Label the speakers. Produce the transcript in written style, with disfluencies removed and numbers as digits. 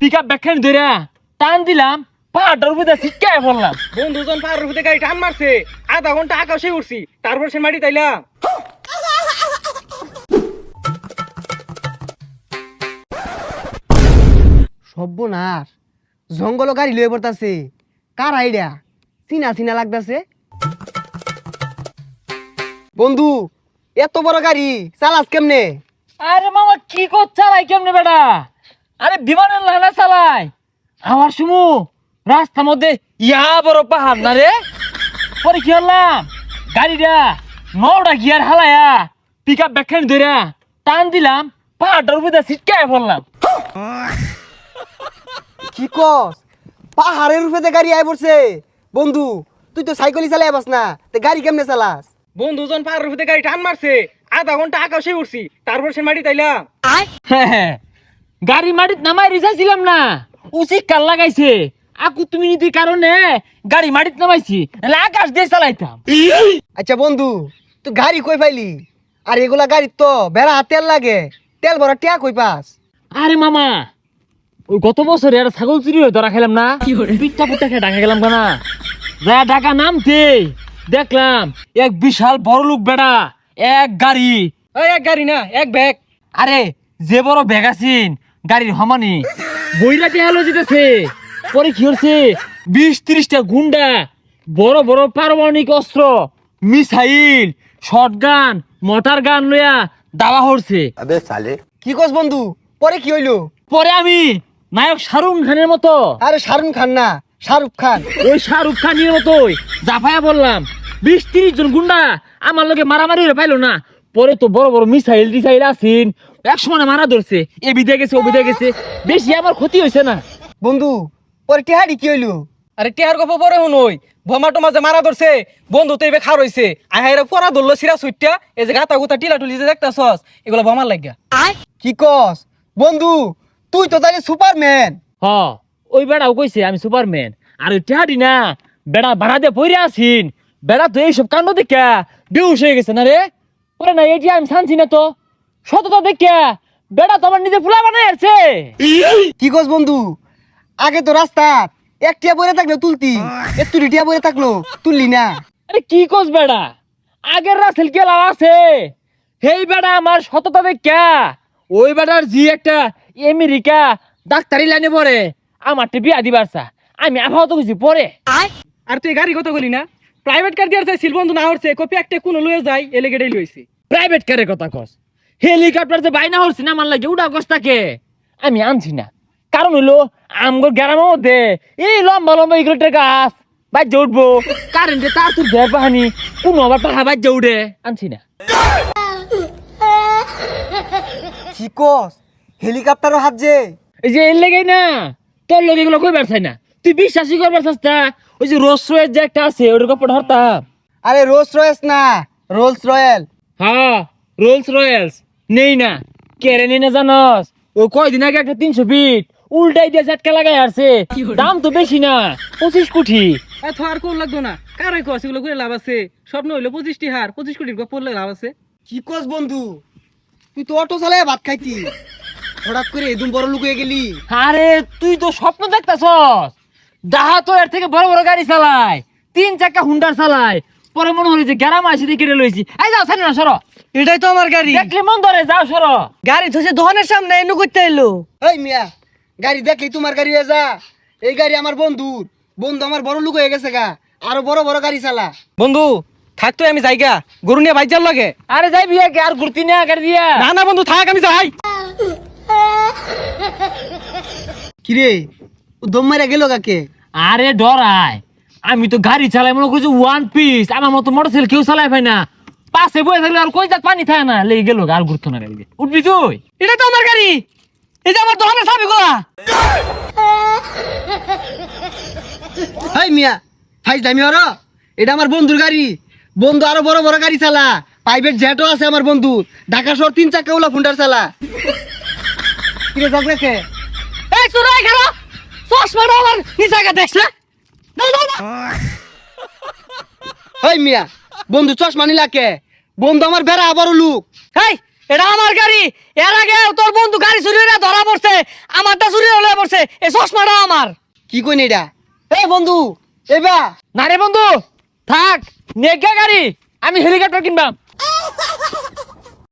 Speaker 1: Pickup ব্যাখ্যান ধরে টান দিলাম, পাহাড়টার উপরে ছিটকায় পড়লাম।
Speaker 2: বন্ধুজন পাহাড়ের উপরে গাড়ি টান মারছে, আধা ঘন্টা আকাশে উঠছি, তারপর সে মাটি তাইলাম।
Speaker 3: সর্বনাশ, জঙ্গল গাড়ি লয়ে পড়তাছে। কার আইডিয়া? চিনা চিনা লাগতাছে। বন্ধু, এত বড় গাড়ি চালাস কেমনে?
Speaker 1: আরে মামা কি কর চালাই কেমনে বেটা? আরে বিমানের লানা চালাই। আমার সুমু রাস্তার মধ্যে ইয়া বড় পাহাড় না রে। পরে কি হলাম, গাড়িটা 9টা গিয়ার হালায়া পিকআপ ব্যাখ্যান ধরে টান দিলাম, পাহাড়টার উপরে ছিটকায় পড়লাম।
Speaker 3: কি কস? পাহাড়ের উপরে গাড়ি আই পড়ছে। বন্ধু, তুই তো সাইকেলই চালাই পাস না, তে গাড়ি কেমনে চালাস?
Speaker 2: বন্ধুজন পাহাড়ের উপরে গাড়ি টান মারছে, আধা ঘন্টা আকাশে উঠছি, তারপর সে মাটি তাইলাম।
Speaker 1: গাড়ি মাটিত নামাই রিসাইছিলাম না, উচিত কাল লাগাইছে। আকু তুমি নীতির কারণে গাড়ি মাটিত নামাইছি, নাহলে আকাশ দিয়ে চালাইতাম।
Speaker 3: আচ্ছা বন্ধু, তুই গাড়ি কই পাইলি? আর এগুলা গাড়ি তো বেড়া তেল লাগে, তেল ভরা টিয়া কই পাস?
Speaker 1: আরে মামা, ওই গত বছরে একটা ছাগল চুরি হয়ে ধরা খেলাম না, পিঠটা পুট্টা খেয়ে ঢাকা গেলাম না। যা ঢাকা নামতে দেখলাম এক বিশাল বড় লোক বেড়া এক গাড়ি।
Speaker 2: ওই এক গাড়ি না, এক ব্যাগ।
Speaker 1: আরে যে বড় ব্যাগ আছিন গাড়ির হমানি বইরাতে হালো যেতেছে। পরে কি হচ্ছে, 20-30টা গুন্ডা বড় বড় পারমাণবিক অস্ত্র, মিসাইল, শটগান, মোটর গান লইয়া দাবা হচ্ছে।
Speaker 3: কি কস বন্ধু? পরে কি হইলো?
Speaker 1: পরে আমি নায়ক শাহরুখ খানের মতো,
Speaker 3: আরে শাহরুখ খান না, শাহরুখ খান।
Speaker 1: ওই শাহরুখ খানের মতোই জাফায়া বললাম। 20-30 জন গুন্ডা আমার লগে মারামারি হয়ে পাইলো না। পরে তো বড় বড় মিসাইল টিসাইল আসিন, এক সময় মারা ধরছে, এ বিদে গেছে ও বিদে গেছে, বেশি আমার ক্ষতি হয়েছে না।
Speaker 3: বন্ধু, পরে টিহাড়ি কি হইলো?
Speaker 2: আরে টিহার গপ পরে শুনই, বোমাটো মাঝে মারা ধরছে, বন্ধু তো এবার খার হইছে, আহাইরা পরা ধরলো সিরা সুইটটা, এই যে গাতা গুতা টিলা টুলি যে দেখতাছস, এগুলো বোমার লাগিয়া।
Speaker 3: কি কস? বন্ধু, তুই তো তাহলে সুপারম্যান।
Speaker 1: হ, ওই বেড়াও কইছে আমি সুপারম্যান। আর ওই টেহাডি না বেড়া ভাড়া দিয়ে পইরে আসিন, বেড়া তো এইসব কাণ্ড দেখা বেউস হয়ে গেছে না রে। ওরে না এটি আমি শানছি না তো, সততা দেখা বেড়া তো আমার নিজে ফুলা বানাই আছে।
Speaker 3: কি কস বন্ধু? আগে তো রাস্তা এক টিয়া পরে থাকলো তুলতি, একটু টিয়া পরে থাকলো তুললি না।
Speaker 1: আরে কি কস বেড়া, আগের রাসেল কেলা আছে, সেই বেড়া আমার সততা দেখা ওই বেড়ার জি একটা আমেরিকা ডাক্তারি লাইনে পড়ে আমার বিয়া দিবার চা, আমি আবহাওয়া তো বুঝি পরে।
Speaker 2: আর তুই গাড়ি কত গলি না, প্রাইভেট কার দিয়ে চাইছিল, বন্ধু না হচ্ছে কপি একটা কোনো লয়ে যায়, এলে গেড়ে লইছি।
Speaker 1: প্রাইভেট কারের কথা কস, হেলিকপ্টার যে বাইনা হচ্ছে না আমার লাগে উড়া কস তাকে আমি আনছি না। কারণ হইলো আমগো গ্রামের মধ্যে এই লম্বা লম্বা ইগলেটের গাছ বাজ্যে উঠবো, কারেন্টে তার তোর ঘের পাহানি কোনো আবার পাহা বাজ্যে উঠে, আনছি না।
Speaker 3: কি কস? হেলিকপ্টারও হাত যে?
Speaker 1: এই যে এর লেগেই না তোর লোক এগুলো কইবার চাই না, তুই বিশ্বাসই করবার চাস না। ওই যে রোলস রয়েস যে একটা আছে ওটার কাপড় ধরতাম।
Speaker 3: আরে রোলস রয়েস না, রোলস রয়েল।
Speaker 1: হ্যাঁ রোলস রয়েলস নেই না, কেড়ে নেই না জানস। ও কয়দিন আগে একটা 300 ফিট উল্টাই দিয়ে ঝাটকা লাগাই আসছে, দাম তো বেশি না, 25 কোটি।
Speaker 2: এত আর কোন লাগতো না, কারে কস এগুলো করে লাভ আছে? স্বপ্ন হইলো 25টি হার, 25 কোটির গপ পড়লে লাভ আছে।
Speaker 3: কি কস বন্ধু? তুই তো অটো চালায় ভাত খাইতি, হঠাৎ করে এদম বড় লোক হয়ে গেলি।
Speaker 1: আরে তুই তো স্বপ্ন দেখতাছস, দাহা তো এর থেকে বড় বড় গাড়ি চালায়, 3 চাকা হুন্ডার চালায়। পরে মনে হলো যে গ্যারাম আসি দিয়ে কেটে লইছি, এই যাও সানি না সরো,
Speaker 2: এটাই তো আমার গাড়ি।
Speaker 1: দেখলে মন ধরে, যাও সরো।
Speaker 2: গাড়ি ধসে দোকানের সামনে এনে করতে এলো।
Speaker 3: এই মিয়া, গাড়ি দেখলি তোমার গাড়ি হয়ে যা। এই গাড়ি আমার বন্ধুর, বন্ধু আমার বড় লোক হয়ে গেছে গা, আরো বড় বড় গাড়ি চালা।
Speaker 2: বন্ধু থাকতো আমি যাইগা, গরু নিয়ে বাইক যাওয়ার লাগে।
Speaker 1: আরে যাই বিয়ে আর ঘুরতি না গাড়ি দিয়া।
Speaker 2: না না বন্ধু থাক, আমি যাই।
Speaker 3: কিরে, ও দম মারা গেল কাকে?
Speaker 1: আরে ডরাই, আমি তো গাড়ি চালাই মনে করছি ওয়ান পিস, আমার মতো মোটরসাইকেল কেউ চালাই পাই না। পাশে বয়ে থাকলে আর কই যাক পানি থাকে না, লেগে গেল আর ঘুরতো না গাড়ি দিয়ে। উঠবি তুই?
Speaker 2: এটা তো আমার গাড়ি, এই যে আমার দোকানের চাবি গুলা।
Speaker 3: এই মিয়া, ফাইজ দামি হরো, এটা আমার বন্ধুর গাড়ি। বন্ধু আরো বড় বড় গাড়ি চালা, প্রাইভেট জেটও আছে আমার বন্ধু, ঢাকা শহর 3 চাকা ওলা ফুন্ডার চালা। কিরে যাক রেখে?
Speaker 2: এই সুরাই খারাপ, চশমাটা আমার এই জায়গা দেখছে।
Speaker 3: এই মিয়া, বন্ধু চশমা নিলা কে? বন্ধু আমার বেড়া বড় লোক।
Speaker 2: এই
Speaker 4: এটা আমার গাড়ি। এর আগে তোর বন্ধু গাড়ি চুরি হয়ে ধরা পড়ছে, আমারটা চুরি হয়ে পড়ছে। এই চশমাটা আমার।
Speaker 3: কি কইন এটা? এই বন্ধু, এবা
Speaker 1: না রে বন্ধু, থাক নেগা গাড়ি, আমি হেলিকপ্টার কিনবাম।